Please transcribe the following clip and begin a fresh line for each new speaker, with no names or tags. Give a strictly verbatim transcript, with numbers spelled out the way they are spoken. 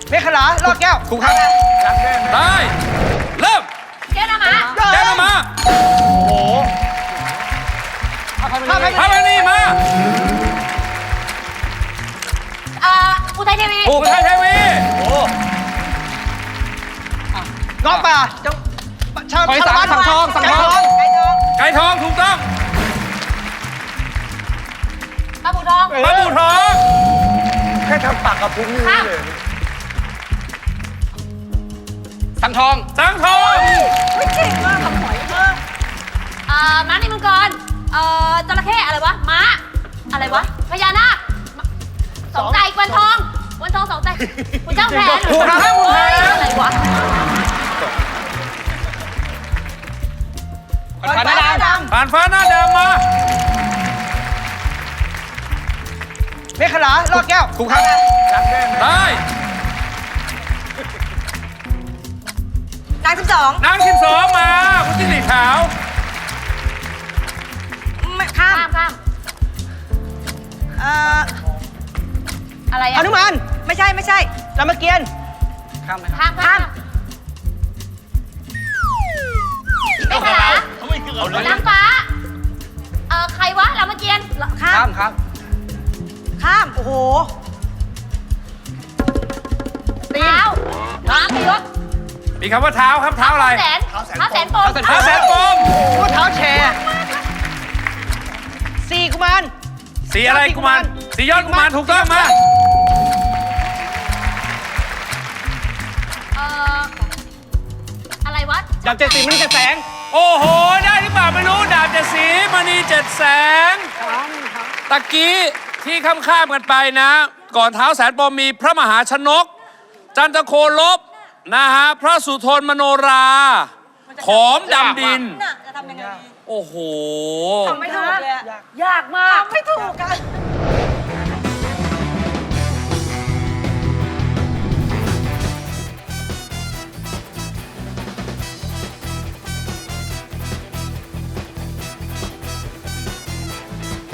เมฆลาลอดแก้วถูกครับ
ได้เริ่ม
แก้วน้ำมา
แก้วมา
โอ้โหพระ
พระพนีมา
เอ่ออุทัยเทวี
อุทัยเทวี
โอ้ง้อป่าจังชาว
หอยสังสังทองสังทอง
ไก่ทองถูกต้อง
ปลาบูทอง
ปลาบูทอง
แค่ทำปากกับพุ้งนี่เลย
สังทอง
สังทอง
ไม่เก่งมากกับหอยเออเอ่อม้าในมังกรเอ่อจระเข้อะไรวะม้าอะไรวะพญานาคสองใจกวนทองกวนทองสองใจคุณเจ้าแผน
ถูกครับถูกครับ
อะไรวะ
ผ่านหน้าดำ
ผ่านฟ้าหน้าดำมา
เมฆลาลอดแก้วถูกครับ
ได้
นางสิบสอง
นางสิบสองมาคุณจิ้งหรีดขาว
ข้ามข้าม
เอ่อ
อะไร
อ
อะ
นุมาน
ไม่ใช่ไม่ใช่
รามเกียรติ
ข้ามไหม
ข้ามข้ามไม่ขลา นางฟ้า เอ่อ ใครวะรามเกียรติ์
ข้า
ข้าม มครับ
ข้าม โอ้โห
เท้าท้าพยศ
มีคำว่าเท้าครับเท้าอะไร
แสนเท้าแสนปม
เท้าแสนปม
ว่าเท้าแชร์สี่กุมาร
สีอะไรกุมารสียอดกุมารถูกต้องมา
เอ่อ อะไรวะ
ดาบเจ็ดสีมันเจ็ดแสง
โอ้โห ได้หรือเปล่าไม่รู้ดาบเจ็ดสีมณีเจ็ดแสงตะกี้ที่ข้ามข้ามๆกันไปนะ ก่อนเท้าแสนปมมีพระมหาชนก จันทโคลบนะฮะพระสุทนมโนรา ขอมดำดิน
น่ะ จะทำยังไง
โอ้โห
ทำไม่ถูกเลยอะ
ยากมาก
ทำไม่ถูกกัน